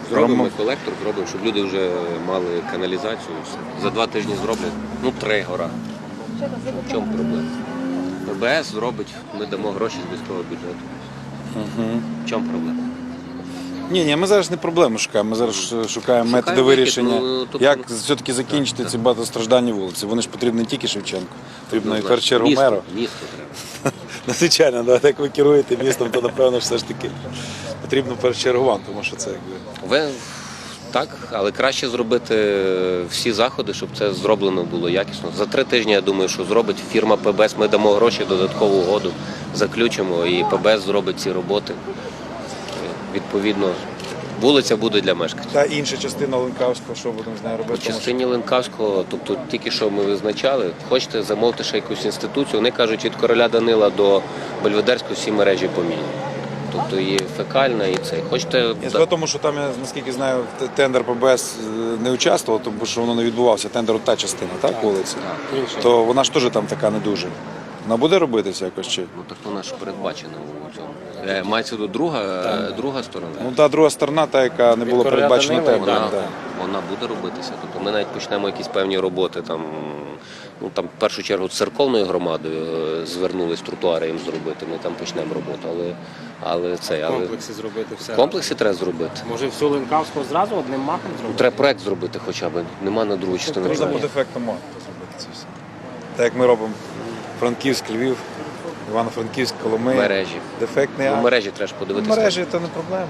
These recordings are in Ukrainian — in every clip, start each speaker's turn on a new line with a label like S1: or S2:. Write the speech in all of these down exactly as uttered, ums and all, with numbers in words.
S1: Зробимо колектор, зробимо, щоб люди вже мали каналізацію. За два тижні зроблять, ну три гора. В чому проблема? ПБС зробить, ми дамо гроші з міського бюджету.
S2: Угу.
S1: В чому проблема?
S2: Ні, ні, ми зараз не проблему шукаємо, ми зараз шукаємо, шукаємо методи
S1: вихід,
S2: вирішення,
S1: ну, тобто...
S2: як все-таки закінчити так, ці багатостраждальні вулиці. Вони ж потрібні не тільки Шевченку, потрібно і в першу чергу
S1: місто,
S2: меру.
S1: Місто треба.
S2: Ну, звичайно, да, як ви керуєте містом, то напевно все ж таки потрібно в першу чергу вам, тому що це якби...
S1: Ви так, але краще зробити всі заходи, щоб це зроблено було якісно. За три тижні, я думаю, що зробить фірма ПБС, ми дамо гроші, додаткову угоду, заключимо, і ПБС зробить ці роботи. Відповідно, вулиця буде для мешканців.
S2: Та інша частина Ленкавського, що будемо з нею робити?
S1: По частині Ленкавського, тобто тільки що ми визначали, хочете замовити ще якусь інституцію, вони кажуть, від короля Данила до Бельведерського всі мережі поміняні. Тобто і фекальна, і це. Хочете...
S2: Я скажу тому, що там, я наскільки знаю, тендер ПБС не участвував, тому що воно не відбувався. Тендер та частина, так, вулиці?
S1: Так.
S2: То вона ж теж там така не дуже. Вона буде робитися якось чи?
S1: Ну так вона ж передбачена у цьому. Е, Мається до друга, друга сторона.
S2: Ну та друга сторона, та, яка не була передбачена
S1: Вона,
S2: тендером. Да.
S1: вона буде робитися. Тобто ми навіть почнемо якісь певні роботи там. Ну там в першу чергу з церковною громадою звернулись тротуари їм зробити. Ми там почнемо роботу, але але це
S3: В
S1: але
S3: комплексі зробити все.
S1: в комплексі треба зробити.
S3: Може всю Ленкавську зразу одним махом зробити?
S1: Треба проект зробити хоча б. Нема на другу частину.
S2: Можна по дефекту можна зробити це все. Так як ми робимо Франківськ, Львів, Івано-Франківськ, Коломия.
S1: Мережі.
S2: Дефектний
S1: Ну,
S2: акт.
S1: мережі треба ж подивитися.
S2: Мережі це не проблема.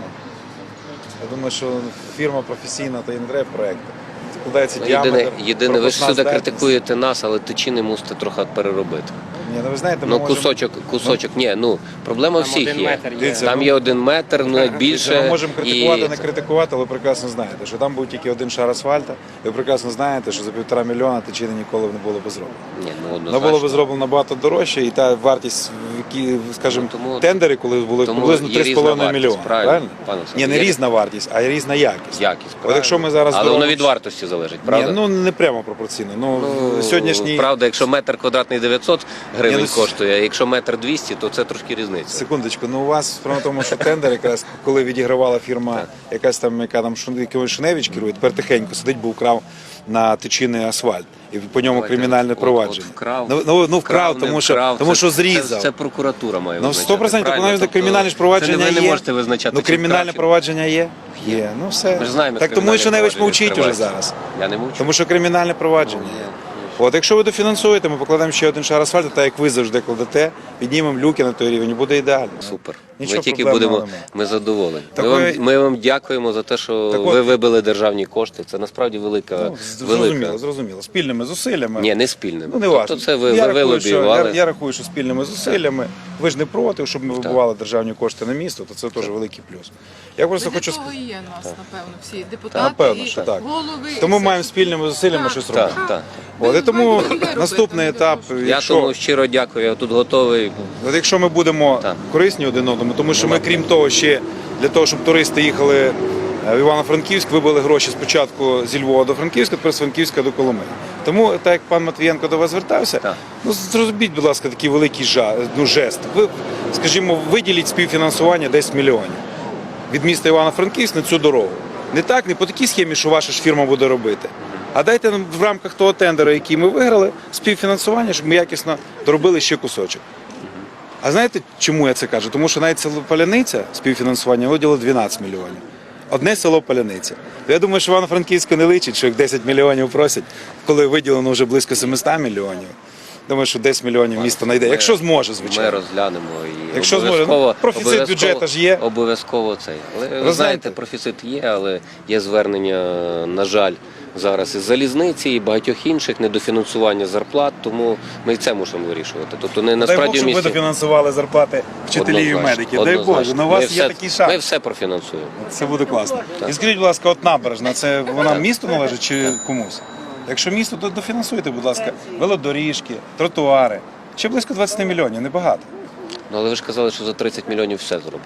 S2: Я думаю, що фірма професійна, то і не треба проєкту. Складається
S1: Ну,
S2: діаметр,
S1: єдине, єдине, ви ж
S2: пропускна
S1: сюди
S2: здатність.
S1: критикуєте нас, але тичини мусите трохи переробити.
S2: Ні, ну ви знаєте, ми
S1: Ну,
S2: можемо...
S1: кусочок, кусочок, ні, ну, проблема
S3: Там
S1: всіх
S3: один
S1: є.
S3: метр є.
S2: Дивіться,
S1: Там
S2: ну,
S1: є один метр, ну, як
S2: Ми
S1: більше.
S2: можемо критикувати,
S1: і...
S2: не критикувати, але ви прекрасно знаєте, що там був тільки один шар асфальту. Ви прекрасно знаєте, що за півтора мільйона тичини ніколи не було б зроблено.
S1: Ні, ну,
S2: Воно
S1: однозначно.
S2: було б зроблено набагато дорожче, і та вартість, які, скажімо,
S1: Ну, тому-
S2: тендери, коли були
S1: тому
S2: приблизно
S1: є
S2: три з
S1: різна
S2: половиною
S1: вартість,
S2: мільйона.
S1: правильно,
S2: Правильно?
S1: пане
S2: Ні,
S1: Олександр,
S2: не
S1: є
S2: різна вартість, а різна якість.
S1: Якість,
S2: От якщо ми зараз
S1: але воно
S2: зробимо-
S1: від вартості залежить, правда?
S2: Ні, ну не прямо пропорційно. Ну,
S1: Ну,
S2: сьогоднішній...
S1: Правда, якщо метр квадратний дев'ятсот гривень
S2: Ні, ну,
S1: коштує, а якщо метр двісті, то це трошки різниця.
S2: Секундочку, ну у вас справа в тому, що тендер якраз, коли відігравала фірма, якась там, яка там Шун- якимось Шуневич керує, тепер тихенько сидить, бо вкрав на тичини асфальт. І по ньому
S1: Давайте,
S2: кримінальне
S1: от-
S2: провадження.
S1: от вкрав.
S2: Ну, ну, ну вкрав,
S1: не
S2: тому, що,
S1: вкрав,
S2: тому
S1: це-
S2: що зрізав.
S1: Це, це прокуратура має
S2: Ну,
S1: визначати.
S2: сто відсотків,
S1: правильно?
S2: навіть
S1: Тобто,
S2: кримінальне ж провадження
S1: це не ви
S2: є.
S1: не можете визначати,
S2: Ну,
S1: чи
S2: кримінальне
S1: вкрав, чи-
S2: провадження є? Є. Ну все.
S1: Ми ж знаємо,
S2: Так
S1: як
S2: тому і
S1: кримінальне
S2: Шуневич
S1: провадження
S2: мовчить уже
S1: відкривається.
S2: зараз.
S1: Я не мовчу.
S2: Тому що кримінальне провадження є. От якщо ви дофінансуєте, ми покладемо ще один шар асфальту, так як ви завжди кладете, піднімемо люки на той рівень, і буде ідеально.
S1: Супер.
S2: Нічого
S1: ми тільки
S2: проблемного
S1: будемо,
S2: немає.
S1: ми задоволені.
S2: Так
S1: Ми,
S2: ви-
S1: вам, ми вам дякуємо за те, що
S2: Так
S1: ви
S2: от-
S1: вибили державні кошти. Це насправді велика.
S2: Ну,
S1: велика.
S2: зрозуміло, зрозуміло. Спільними зусиллями.
S1: Ні, не спільними.
S2: Ну, не
S1: тобто
S2: важливо.
S1: це ви,
S2: я,
S1: ви
S2: рахую, що,
S1: вилобіювали.
S2: я, я рахую, що спільними зусиллями. Ви ж не проти, щоб ми вибивали державні кошти на місто, то це теж великий плюс. Я просто
S4: Для
S2: хочу
S4: того
S2: сказати.
S4: і є нас, напевно, всі депутати
S2: Напевно,
S4: і
S2: що так.
S4: голови.
S2: Тому
S4: і
S2: маємо
S4: все.
S2: спільними зусиллями
S4: Так,
S2: щось робити.
S1: Так, так.
S2: От, і тому
S4: маєте довіру,
S2: наступний
S4: поэтому
S2: етап,
S4: не
S1: Я
S2: якщо,
S1: тому щиро дякую, я тут готовий.
S2: от якщо ми будемо
S1: Так.
S2: корисні один одному, тому що ми, крім того, ще для того, щоб туристи їхали в Івано-Франківськ, вибили гроші спочатку зі Львова до Франківська, тепер з Франківська до Коломиї. Тому, так як пан Матвієнко до вас звертався,
S1: Так.
S2: ну зробіть, будь ласка, такий великий жа, ну, жест. Ви, скажімо, виділіть співфінансування десять мільйонів від міста Івано-Франківськ на цю дорогу. Не так, не по такій схемі, що ваша ж фірма буде робити. А дайте нам в рамках того тендеру, який ми виграли, співфінансування, щоб ми якісно доробили ще кусочок. А знаєте, чому я це кажу? Тому що навіть село Паляниця співфінансування виділило дванадцять мільйонів. Одне село Паляниця. То я думаю, що Івано-Франківську не личить, що як десять мільйонів просять, коли виділено вже близько сімсот мільйонів. Думаю, що десять мільйонів місто знайде. Якщо зможе,
S1: Ми
S2: звичайно.
S1: розглянемо і
S2: Якщо зможе.
S1: обов'язково,
S2: Ну, профіцит
S1: обов'язково-
S2: бюджету ж є.
S1: Обов'язково цей. Але ви
S2: знаєте-
S1: знаєте, профіцит є, але є звернення, на жаль, зараз із залізниці і багатьох інших недофінансування зарплат, тому ми і це мусимо вирішувати. Тобто не
S2: Дай Бог,
S1: насправді в
S2: щоб ви
S1: місті.
S2: дофінансували зарплати вчителів і
S1: Однозначно,
S2: медиків. Дай
S1: однозначно.
S2: Боже, ну у вас
S1: Ми
S2: є
S1: все-
S2: такий шанс.
S1: Ми все профінансуємо.
S2: Це буде класно. І скажіть, будь ласка, от набережна, це вона місту належить чи комусь? Якщо місто, то дофінансуйте, будь ласка, велодоріжки, тротуари. Ще близько двадцять мільйонів, небагато.
S1: Ну але ви ж казали, що за тридцять мільйонів все зробите.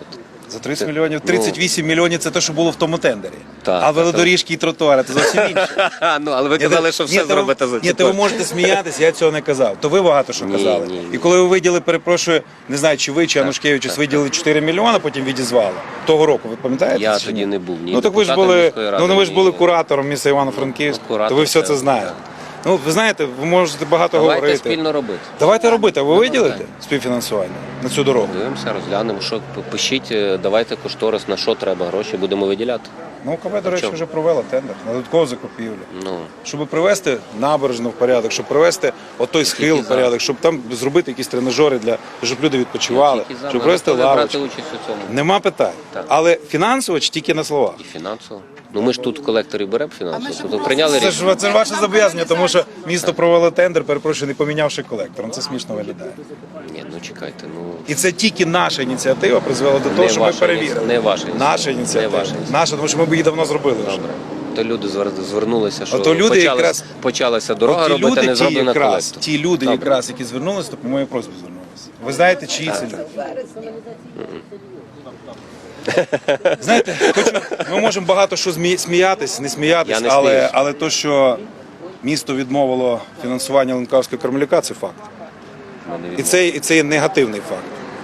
S2: За тридцять
S1: Це-
S2: мільйонів, тридцять вісім мільйонів це те, що було в тому тендері.
S1: Так,
S2: а
S1: так,
S2: велодоріжки і тротуари це зовсім інше.
S1: Ну, але ви
S2: Ні,
S1: казали,
S2: то-
S1: що
S2: ні,
S1: все
S2: то ви-
S1: зробите за
S2: Ні,
S1: ці
S2: то ви
S1: кошти.
S2: можете сміятися, я цього не казав. То ви багато що
S1: Ні,
S2: казали.
S1: ні, ні.
S2: І коли ви виділи, перепрошую, не знаю, чи ви, чи Анушкевичус, виділили чотири мільйони, потім відізвали. Того року, ви пам'ятаєте?
S1: Я
S2: чи
S1: тоді
S2: ні?
S1: не був ні
S2: Ну так ви ж
S1: депутатом
S2: були,
S1: міської ради,
S2: ну ви ж
S1: ні-
S2: були куратором міста Івано-Франківськ,
S1: Ну, куратор
S2: то ви все
S1: це-
S2: це знаєте. Ну, ви знаєте, ви можете багато
S1: Давайте
S2: говорити.
S1: спільно робити.
S2: Давайте робити, а ви
S1: Ну,
S2: виділите
S1: давай.
S2: співфінансування на цю дорогу?
S1: Дивимося, розглянемо, що п- пишіть, е, давайте кошторис, на що треба гроші, будемо виділяти.
S2: Ну, КБ, до речі,
S1: чому?
S2: вже провела тендер на додаткову закупівлю.
S1: Ну,
S2: Щоб привести набережну в порядок, щоб привести отой схил в
S1: за.
S2: порядок, щоб там зробити якісь тренажери для щоб люди відпочивали,
S1: тільки за,
S2: щоб
S1: ми
S2: привести
S1: готові брати
S2: лавочки.
S1: участь у цьому.
S2: Нема питань.
S1: Так.
S2: Але фінансово чи тільки на словах?
S1: І фінансово. Ну ми ж тут в колекторі беремо фінансово,
S4: ми ж
S1: тобто
S4: просто-
S1: прийняли
S2: Це
S1: рішення.
S2: ж це ж ваше зобов'язання, тому що місто провело тендер, перепрошую, не помінявши колектором. Це смішно виглядає.
S1: Ні, ну чекайте, ну
S2: І це тільки наша ініціатива призвела до того,
S1: Не
S2: що ми
S1: ваша
S2: перевірили.
S1: ініці- не ваша ініціатива.
S2: Наша ініціатива.
S1: Не ваша ініціатива.
S2: Наша, тому що ми б її давно зробили вже.
S1: добре. То люди звер- звернулися, що
S2: Ото люди
S1: почалась,
S2: якраз-
S1: почалася дорога
S2: От ті
S1: робити,
S2: люди,
S1: не
S2: ті,
S1: зроблена
S2: якраз,
S1: колектор.
S2: ті люди,
S1: Добре.
S2: якраз, які звернулися, то по моїй просьбі звернулися. Ви знаєте, чиї це люди? Знаєте, хочу, ми можемо багато що змі- сміятись, не сміятись,
S1: Я не
S2: але,
S1: сміюсь.
S2: але то, що місто відмовило фінансування Ленкавського Кармеляка, це факт.
S1: Мене
S2: І це, і це є негативний факт.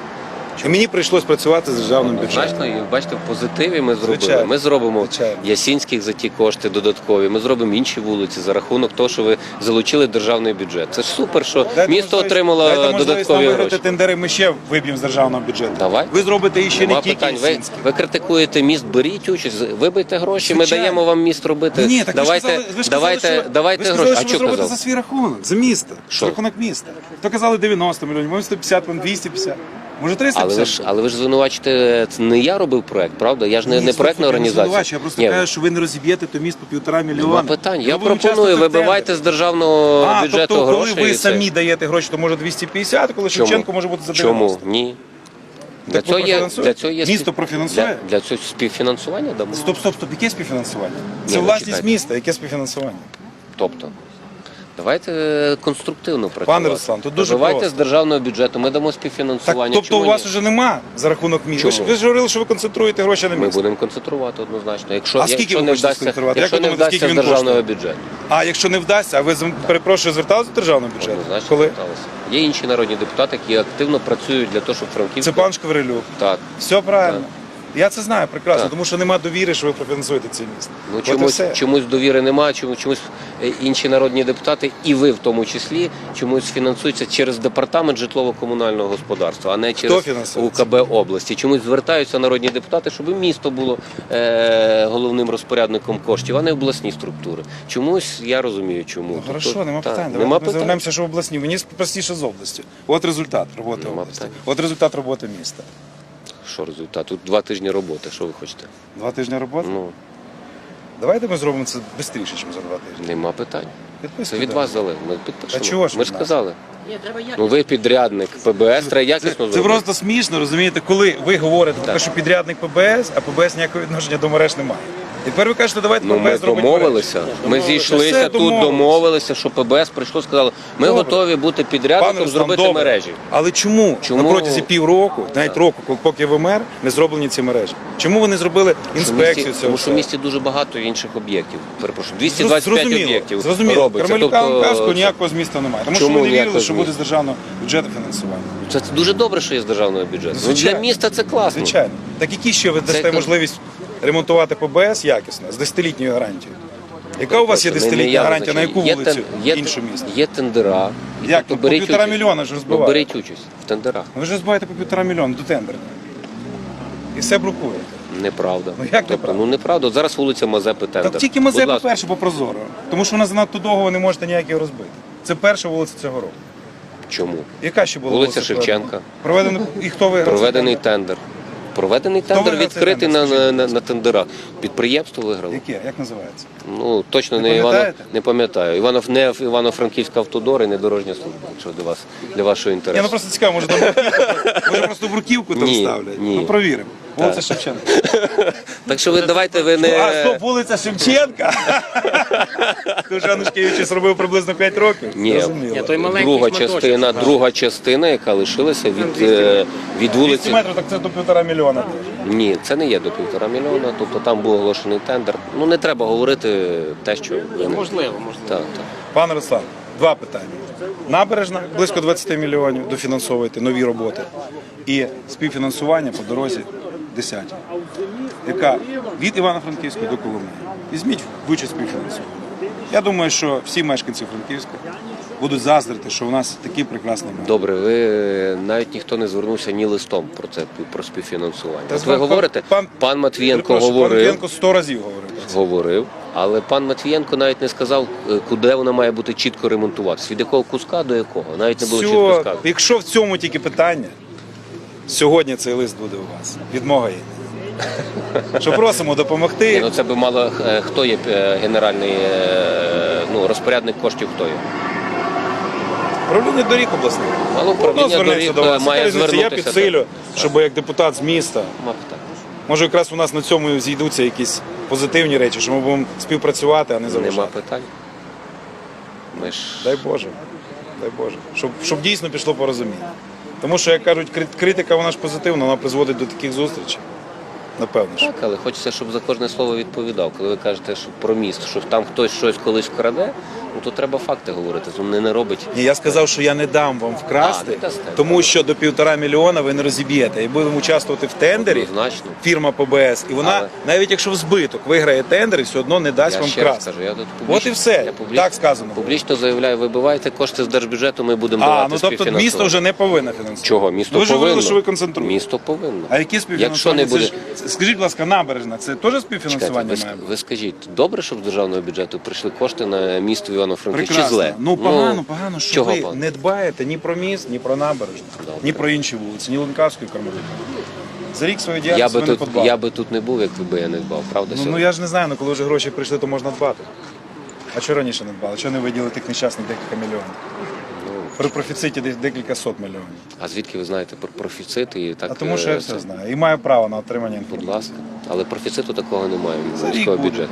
S2: І мені прийшлось працювати з державним бюджетом.
S1: Значно, і бачите, в позитиві ми зробили.
S2: Звичайно.
S1: Ми зробимо
S2: Звичайно.
S1: Ясінських за ті кошти додаткові. Ми зробимо інші вулиці за рахунок того, що ви залучили державний бюджет. Це ж супер, що
S2: Дайте
S1: місто
S2: можливість-
S1: отримало
S2: дайте можливість нам
S1: додаткові
S2: виграти
S1: гроші.
S2: тендери, ми ще виб'ємо з державного бюджету.
S1: Давай.
S2: Ви зробите і ще
S1: Нема
S2: не тільки
S1: питань. Ви,
S2: Ясінський.
S1: ви критикуєте міст, беріть участь, вибийте гроші, ми
S2: Звичайно.
S1: даємо вам міст робити.
S2: Ні, ні, так
S1: давайте,
S2: ви ж казали, ви ж
S1: давайте,
S2: казали, що,
S1: давайте
S2: ви ж
S1: гроші.
S2: казали,
S1: А
S2: що
S1: що
S2: ви зробите
S1: казав?
S2: за свій рахунок, за місто,
S1: Що?
S2: за рахунок міста. То казали дев'яносто мільйонів, може сто п'ятдесят, може двісті п'ятдесят, може триста
S1: Але
S2: п'ятдесят.
S1: ви ж, але ви ж звинувачите, це не я робив проект, правда? Я ж не,
S2: Ні,
S1: не
S2: слухайте,
S1: проектна
S2: я не
S1: організація.
S2: звинувачую, Я просто
S1: Ні,
S2: кажу, що ви не розіб'єте то місто півтора мільйона.
S1: нема питань. Я
S2: Ми будемо
S1: пропоную,
S2: участвувати в
S1: вибивайте
S2: тендері.
S1: з державного
S2: А,
S1: бюджету
S2: тобто, коли
S1: гроші.
S2: ви
S1: і це.
S2: самі даєте гроші, то може двісті п'ятдесят, коли
S1: Чому?
S2: Шевченко може бути за
S1: Чому?
S2: дев'яносто.
S1: Ні. Для
S2: Так ви
S1: цього, є,
S2: профінансуєте?
S1: для цього є
S2: Місто
S1: спів-
S2: профінансує?
S1: Для, для цього співфінансування дамо.
S2: Стоп, стоп, стоп, яке співфінансування?
S1: Ні,
S2: Це
S1: ну,
S2: власність
S1: чекайте.
S2: міста, яке співфінансування?
S1: Тобто, давайте е, конструктивно працювати.
S2: Руслан, тут дуже
S1: Давайте
S2: просто.
S1: з державного бюджету, ми дамо
S2: Так,
S1: співфінансування.
S2: тобто
S1: Чому
S2: у вас
S1: ні?
S2: вже нема за рахунок міста. Ви ж,
S1: Чому?
S2: ви ж говорили, що ви концентруєте гроші на
S1: Ми
S2: місто.
S1: будемо концентрувати однозначно. Якщо,
S2: А скільки
S1: якщо
S2: ви
S1: не
S2: хочете
S1: вдасться,
S2: сконцентрувати?
S1: якщо
S2: Як ви
S1: не
S2: думаєте,
S1: вдасться з
S2: скільки він
S1: державного
S2: коштує?
S1: бюджету,
S2: А якщо не вдасться, а ви з- перепрошую, зверталися до державного бюджету?
S1: однозначно
S2: Коли?
S1: зверталися. Є інші народні депутати, які активно працюють для того, щоб Франківськ...
S2: Це пан Шкварилюк.
S1: Так.
S2: Все правильно. Я це знаю прекрасно,
S1: Так.
S2: тому що немає довіри, що ви профінансуєте це місто.
S1: Ну,
S2: От і
S1: чомусь,
S2: все.
S1: чомусь довіри немає, чомусь, чомусь е, інші народні депутати, і ви в тому числі, чомусь фінансуються через департамент житлово-комунального господарства, а не через
S2: фінансує?
S1: УКБ області. Чомусь звертаються народні депутати, щоб і місто було е, головним розпорядником коштів, а не обласні структури. Чомусь я розумію, чому.
S2: Ну,
S1: Тобто,
S2: хорошо, нема
S1: так,
S2: питань.
S1: Нема
S2: Давайте ми
S1: питань.
S2: звернемося, що в обласні. Мені простіше з області. От результат роботи
S1: Нема
S2: області.
S1: питань.
S2: От результат роботи міста.
S1: Що результат? Тут два тижні роботи. Що ви хочете?
S2: Два тижні роботи?
S1: Ну,
S2: Давайте ми зробимо це швидше, ніж за два тижні.
S1: нема питань. Це
S2: Підписуйте.
S1: від вас залежить. Ми підпишемо.
S2: Та чого ж
S1: Ми
S2: від
S1: ж
S2: нас?
S1: сказали.
S4: Ні, треба як.
S1: Ну ви підрядник ПБС, треба якісно
S2: Це,
S1: зробити.
S2: це просто смішно, розумієте, коли ви говорите про те,
S1: Так.
S2: що підрядник ПБС, а ПБС ніякого відношення до мереж немає. І тепер ви кажете, давайте
S1: Ну,
S2: ПБС
S1: ми
S2: зробить
S1: домовилися.
S2: мережі.
S1: Ми зійшлися
S2: Все
S1: тут,
S2: домовилися.
S1: домовилися, що ПБС прийшло, сказало, ми
S2: Добре.
S1: готові бути
S2: Пане
S1: підрядником,
S2: Руслан,
S1: зробити
S2: добре.
S1: мережі.
S2: Але чому,
S1: Чому?
S2: на протязі півроку, навіть року, коли- поки ви мер, не зроблені ці мережі? Чому ви не зробили
S1: Що в
S2: інспекцію
S1: місті-
S2: цього?
S1: Тому що в
S2: всього?
S1: місті дуже багато інших об'єктів. Перепрошую, двісті двадцять п'ять
S2: Зрозуміло,
S1: об'єктів
S2: Зрозуміло.
S1: робиться.
S2: Кармелюка
S1: Тобто,
S2: Ланкавського ніякого з міста немає. Тому
S1: Чому
S2: що ви не вірили,
S1: ніякого
S2: що
S1: з
S2: буде
S1: міста?
S2: з державного бюджету фінансування.
S1: це дуже добре, що є з державного бюджету. Ну, для
S2: Звичайно.
S1: міста це класно.
S2: Звичайно. Так які ще ви дасте
S1: кон-
S2: можливість ремонтувати ПБС якісно, з десятилітньою гарантією? Яка у вас є
S1: Не- не
S2: десятилітня
S1: я
S2: гарантія, на яку
S1: визначаю.
S2: вулицю
S1: Є тен- є
S2: іншу
S1: тен-
S2: місто?
S1: Є тендера. І
S2: Як?
S1: тобто
S2: Ну, по
S1: беріть
S2: півтора
S1: участь.
S2: мільйона ж
S1: Ну,
S2: розбивають.
S1: беріть участь в тендерах.
S2: Ви ж збиваєте по півтора мільйона до тендера. І все блокуєте.
S1: Неправда.
S2: Ну, як
S1: тобто,
S2: неправда?
S1: ну неправда. От зараз вулиця Мазепи тендер.
S2: Так тільки
S1: Будь
S2: Мазепа
S1: ласка.
S2: перше по прозоро. Тому що вона занадто довго ви не можете ніякі розбити. Це перша вулиця цього року.
S1: Чому?
S2: Яка ще була
S1: Вулиця
S2: проведена?
S1: Шевченка.
S2: Проведено і хто виграв?
S1: Проведений тендер. Проведений тендер
S2: виграв цей
S1: відкритий на,
S2: тендер,
S1: на,
S2: скажіть,
S1: на,
S2: будь
S1: на тендерах. Підприємство виграло.
S2: Яке? Як називається?
S1: Ну точно
S2: Не
S1: не, Івано,
S2: пам'ятаєте?
S1: не пам'ятаю. Іванов не Івано-Франківська автодор і не дорожня служба, якщо для вас для вашого
S2: Ні,
S1: інтересу.
S2: ну просто цікаво, може там бруківку, може просто бруківку там
S1: Ні,
S2: ставлять.
S1: ні.
S2: Ну провіримо. Вулиця Шевченка.
S1: Так що ви давайте ви не
S2: А, стоп, вулиця Шевченка. Дуже Анушкевич зробив приблизно п'ять років.
S1: Ні,
S2: Зрозуміло.
S3: Ні, той маленький
S1: друга
S3: шматочок.
S1: частина, друга частина, яка лишилася від, е, від
S2: двісті
S1: вулиці.
S2: метрів, так це до півтора мільйона.
S1: Ні, це не є до півтора мільйона, тобто там був оголошений тендер. Ну не треба говорити те, що ви не...
S3: Можливо, можливо.
S1: Так, так.
S2: Пане Руслан, два питання. Набережна близько двадцять мільйонів дофінансовуєте нові роботи. І співфінансування по дорозі десять, яка від Івано-Франківської до Коломиї. Візьміть вичість співфінансування. Я думаю, що всі мешканці Франківська будуть заздрити, що у нас такий прекрасний мер.
S1: Добре, ви навіть ніхто не звернувся ні листом про це про співфінансування.
S2: Та
S1: От
S2: з
S1: ви
S2: вами
S1: говорите,
S2: пан-
S1: пан Матвієнко
S2: Перепрошую, Пан
S1: говорив,
S2: Матвієнко сто разів говорив про це.
S1: говорив, але пан Матвієнко навіть не сказав, е, куди вона має бути чітко ремонтуватися, від якого куска до якого. Навіть не було чітко
S2: Все,
S1: сказано.
S2: якщо в цьому тільки питання, сьогодні цей лист буде у вас. Від мого імені. Що просимо
S1: Ні,
S2: допомогти.
S1: ну це би мало е, хто є е, генеральний е, ну, розпорядник коштів, хто є.
S2: Управління доріг обласних.
S1: Мало
S2: Воно
S1: управління
S2: звернеться
S1: доріг
S2: до вас.
S1: має
S2: Яка різниця? Я
S1: звернутися.
S2: підсилю, щоб як депутат з міста.
S1: Нема питань.
S2: Може, якраз у нас на цьому зійдуться якісь позитивні речі, що ми будемо співпрацювати, а не
S1: Нема
S2: заважати.
S1: питань. Ми ж...
S2: Дай Боже, дай Боже. Щоб, щоб дійсно пішло порозуміння. Тому що, як кажуть, крит- критика вона ж позитивна, вона призводить до таких зустрічей. Напевно ж.
S1: Так, але хочеться, щоб за кожне слово відповідав. Коли ви кажете, що про міст, що там хтось щось колись вкраде, ну то треба факти говорити. То не, не робить.
S2: Ні, я сказав, що я не дам вам
S1: А, не
S2: вкрасти,
S1: дасте.
S2: тому що до півтора мільйона ви не розіб'єте. І будемо участвувати в тендері,
S1: Однозначно.
S2: фірма ПБС, і вона,
S1: Але-
S2: навіть якщо в збиток виграє тендер, все одно не дасть
S1: Я
S2: вам
S1: ще раз
S2: вкрасти.
S1: кажу, я тут публічно,
S2: От і все.
S1: я публічно,
S2: Так сказано.
S1: Публічно заявляю, вибивайте кошти з держбюджету, ми будемо
S2: А,
S1: давати
S2: ну тобто
S1: співфінансування.
S2: місто вже не повинно фінансувати.
S1: Чого? Місто
S2: Ви ж
S1: повинно.
S2: говорили, що ви концентруєте.
S1: Місто повинно.
S2: А які
S1: Якщо
S2: співфінансування?
S1: не буде...
S2: Це ж- скажіть, будь ласка, набережна, це теж
S1: Чекайте,
S2: співфінансування
S1: ви,
S2: має бути?
S1: ви скажіть, добре, щоб з державного бюджету прийшли кошти на місто Івано-Франківськ, чи
S2: Прекрасно.
S1: зле?
S2: Ну погано, погано, що
S1: чого
S2: ви
S1: погано?
S2: не дбаєте ні про міст, ні про набережну,
S1: Добре.
S2: ні про інші вулиці, ні Ленкавської, Кармелюка. За рік своєї
S1: Я
S2: діяльності
S1: би,
S2: ви не
S1: тут,
S2: подбали.
S1: я би тут не був, якби би я не дбав, правда?
S2: Ну, ну
S1: сьогодні?
S2: я ж не знаю, ну коли вже гроші прийшли, то можна дбати. А чого раніше не дбали? Чого не виділили тих нещасних декілька мільйонів?
S1: Ну,
S2: При профіциті десь декілька сот мільйонів.
S1: а звідки ви знаєте про профіцит і так?
S2: А тому що я
S1: е,
S2: все
S1: це-
S2: знаю. І маю право на отримання
S1: Будь
S2: інформації.
S1: ласка. Але профіциту такого немає
S2: За
S1: від
S2: рік
S1: міського
S2: буде.
S1: бюджету.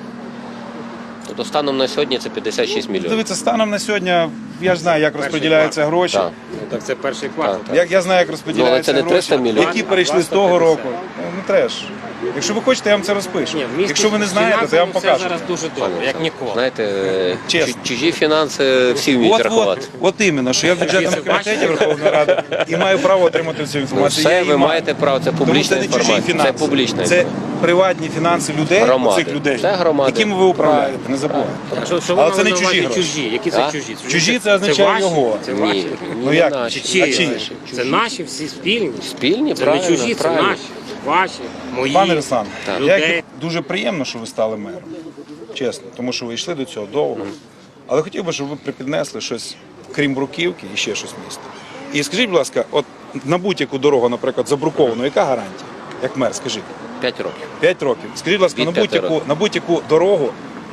S1: Тобто станом на сьогодні це п'ятдесят шість мільйонів.
S2: Дивіться, станом на сьогодні я ж знаю, як розподіляються гроші.
S1: Так.
S3: Ну, так це перший квартал.
S1: Так, так.
S2: Як я знаю, як
S1: Ну,
S2: розподіляються
S1: але це не
S2: гроші,
S1: триста мільйонів.
S2: які перейшли з
S3: двадцять
S2: того
S3: п'ятдесят.
S2: року. Ну, не треш. Якщо ви хочете, я вам це розпишу.
S3: Ні, в місті
S2: Якщо ви не знаєте, то я вам
S3: фінансово
S2: покажу.
S3: все зараз дуже добре, як ніколи.
S1: Знаєте, е,
S2: Чесно.
S1: чу- чужі фінанси всі вміють
S2: От,
S1: рахувати.
S2: от, от іменно, що я в бюджетному
S3: Це бачите?
S2: комітеті Верховної Ради і маю право отримати цю
S1: Ну,
S2: інформацію.
S1: все,
S2: Я
S1: ви
S2: її маю.
S1: маєте право, це
S2: Тому
S1: публічна
S2: це не чужі
S1: інформація. Це
S2: фінанси.
S1: публічна
S2: Це приватні фінанси людей,
S1: Громади.
S2: цих людей,
S1: Це громади.
S2: якими ви управляєте. Не забувайте.
S3: А що, що ви
S2: Але
S3: мали
S2: це не
S3: на увазі
S2: чужі гроші.
S3: чужі? Які
S1: А?
S3: це чужі?
S2: Чужі це означає
S3: ваші?
S2: його.
S3: Це
S1: Ні,
S3: ваші?
S1: ні,
S2: Ну
S1: не
S2: як?
S1: наші.
S3: Чи чиї?
S2: А чиї?
S1: Наші.
S3: Це наші всі спільні.
S1: Спільні,
S3: Це
S1: правильно,
S3: не чужі, це
S1: правильно.
S3: наші. Ваші, мої.
S2: Пане Руслан,
S1: Так.
S2: як
S3: Людей.
S2: дуже приємно, що ви стали мером. Чесно, тому що ви йшли до цього довго. Але хотів би, щоб ви припіднесли щось, крім бруківки, і ще щось місто. І скажіть, будь ласка, от на будь-яку дорогу, наприклад, забруковану, яка гарантія? Як мер, скажіть.
S1: П'ять років.
S2: П'ять років. Скажіть, будь ласка,
S1: Від
S2: на
S1: п'яти
S2: будь-яку,
S1: років.
S2: на будь-яку дорогу,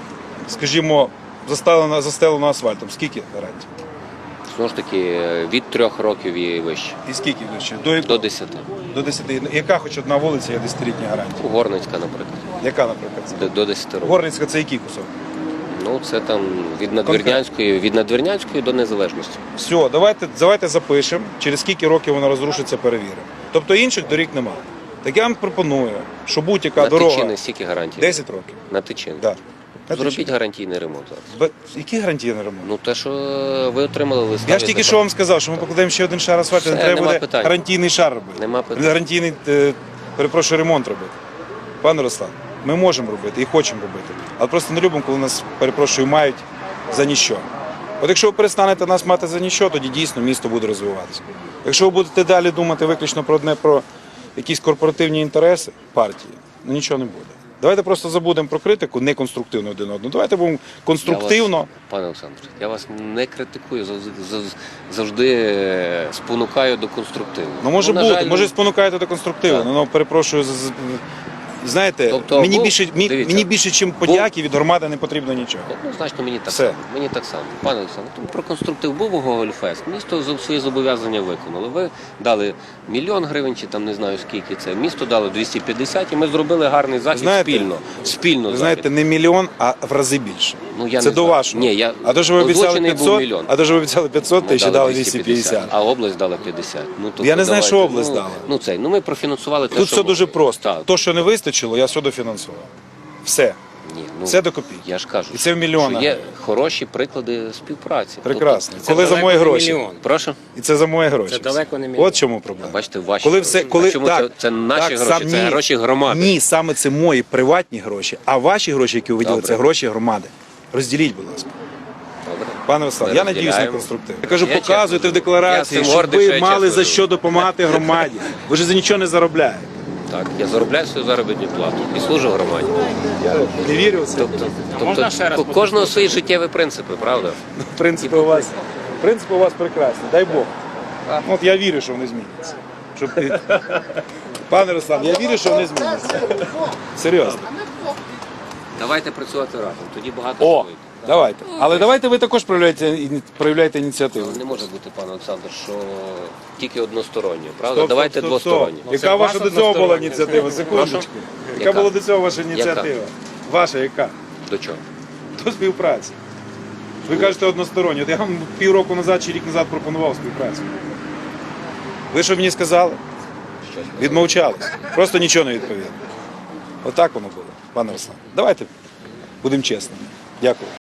S2: скажімо, застелено, застелено асфальтом, скільки гарантій?
S1: Знову ж таки, е, від трьох років і вище.
S2: І скільки ще? До,
S1: До десяти.
S2: до десяти. Яка хоч одна вулиця є десятилітня гарантія?
S1: Горницька, наприклад.
S2: Яка, наприклад? це?
S1: До, до десяти років.
S2: Горницька це який кусок?
S1: Ну, це там від Надвірнянської, від Надвірнянської до Незалежності.
S2: Все, давайте, давайте запишемо, через скільки років вона розрушиться, перевіримо. Тобто інших доріг нема. Так я вам пропоную, що будь-яка
S1: На
S2: дорога
S1: Тичини стільки гарантій?
S2: десять років.
S1: На Тичини.
S2: Да. На
S1: Зробіть
S2: Тичині.
S1: гарантійний ремонт зараз.
S2: Бе- Які гарантійний ремонт?
S1: Ну, те, що ви отримали листа.
S2: Я ж
S1: від
S2: тільки
S1: депар-
S2: що вам сказав, що ми покладемо ще один шар асфальту, не
S1: Все,
S2: треба
S1: нема
S2: буде
S1: питань.
S2: гарантійний шар робити.
S1: Нема питань.
S2: Гарантійний, е, перепрошую, ремонт робити. Пане Руслан, ми можемо робити і хочемо робити. Але просто не любимо, коли нас, перепрошую, мають за ніщо. От якщо ви перестанете нас мати за ніщо, тоді дійсно місто буде розвиватися. Якщо ви будете далі думати виключно про одне, про якісь корпоративні інтереси партії, ну нічого не буде. Давайте просто забудемо про критику, не конструктивно один одного. Давайте будемо конструктивно.
S1: Я вас, пане Олександр, я вас не критикую, завжди, завжди- завжди е, спонукаю до конструктиву.
S2: Ну може
S1: на
S2: бути,
S1: жаль,
S2: може спонукаєте до конструктиву.
S1: Так.
S2: Ну перепрошую, з- з- знаєте,
S1: Тобто,
S2: мені
S1: був-
S2: більше мі-
S1: дивіться,
S2: мені більше, чим подяки від громади не потрібно нічого.
S1: Однозначно мені так
S2: Все.
S1: само. Мені так само. Пане Олександр, тому про конструктив був у Гогольфест. Місто за- свої зобов'язання виконало. Ви дали мільйон гривень, чи там не знаю скільки це. Місто дало двісті п'ятдесят, і ми зробили гарний захід
S2: Знаєте,
S1: спільно. Спільно
S2: Ви
S1: захід.
S2: знаєте, не мільйон, а в рази більше.
S1: Ну, я
S2: Це
S1: не
S2: до
S1: знаю.
S2: вашого.
S1: Ні, я...
S2: А то, що ви обіцяли
S1: Озвучений був
S2: п'ятсот,
S1: мільйон.
S2: а то, що ви обіцяли п'ятсот
S1: Ми
S2: тисяч,
S1: дали
S2: дали двісті п'ятдесят.
S1: а область дала п'ятдесят. Ну, тобто,
S2: Я не знаю,
S1: давайте,
S2: що область
S1: ну,
S2: дала.
S1: Ну, цей, ну ми профінансували те,
S2: Тут
S1: що
S2: все дуже
S1: могли.
S2: просто.
S1: Так.
S2: То, що не вистачило, я все дофінансував. Все.
S1: Ні, ну,
S2: Все до копійки.
S1: Я ж кажу,
S2: І це в мільйонах.
S1: що є хороші приклади співпраці.
S2: Прекрасно.
S3: Це
S2: Коли за
S3: далеко
S2: мої
S3: не
S2: гроші.
S3: мільйон.
S1: Тобто, прошу?
S2: І це за мої гроші.
S3: Це далеко не мільйон.
S2: От чому проблема.
S1: Бачите, ваші
S2: Коли
S1: гроші.
S2: все, коли,
S1: А чому
S2: так,
S1: це, це наші
S2: так,
S1: гроші,
S2: сам-
S1: це
S2: ні.
S1: гроші громади.
S2: Ні, саме це мої приватні гроші, а ваші гроші, які ви виділили,
S1: Добре.
S2: це гроші громади. Розділіть, будь ласка.
S1: Добре.
S2: Пане Руслан,
S1: Ми
S2: я надіюсь на
S1: розділяємо.
S2: конструктив. Я кажу,
S1: Я
S2: показуйте
S1: чесно
S2: в декларації,
S1: Я цим
S2: щоб
S1: гордий, що
S2: ви
S1: я
S2: мали
S1: чесно
S2: за що допомагати громаді. Ви ж за нічого не заробляєте.
S1: Так, я заробляю свою заробітну плату і служу громаді.
S2: Я не вірю в це.
S1: Тобто,
S3: можна
S1: тобто
S3: ще раз
S1: у кожного свої життєві принципи, правда?
S2: Принципи у вас, принципи у вас прекрасні, дай Бог. Ну, от я вірю, що вони зміняться. Щоб... Пане Руслан, я вірю, що вони зміняться. Серйозно.
S1: Давайте працювати разом, тоді багато
S2: О,
S1: що вийде.
S2: давайте. Але давайте ви також проявляєте, іні- проявляєте ініціативу.
S1: Ну, не може бути, пане Олександр, що тільки односторонньо, правда?
S2: Стоп,
S1: Давайте
S2: стоп, стоп, стоп.
S1: двосторонньо.
S3: Ну,
S2: Яка
S3: це
S2: ваша
S3: ваша
S2: до цього була
S3: одностороння.
S2: ініціатива? Секундочку. Яка
S1: Яка?
S2: була до цього ваша ініціатива? Ваша яка?
S1: До чого?
S2: До співпраці. Ви кажете односторонньо. От я вам півроку назад чи рік назад пропонував співпрацю. Ви що мені сказали? Відмовчались. Просто нічого не відповіли. Отак воно було, пане Руслан. Давайте будемо чесними. Дякую.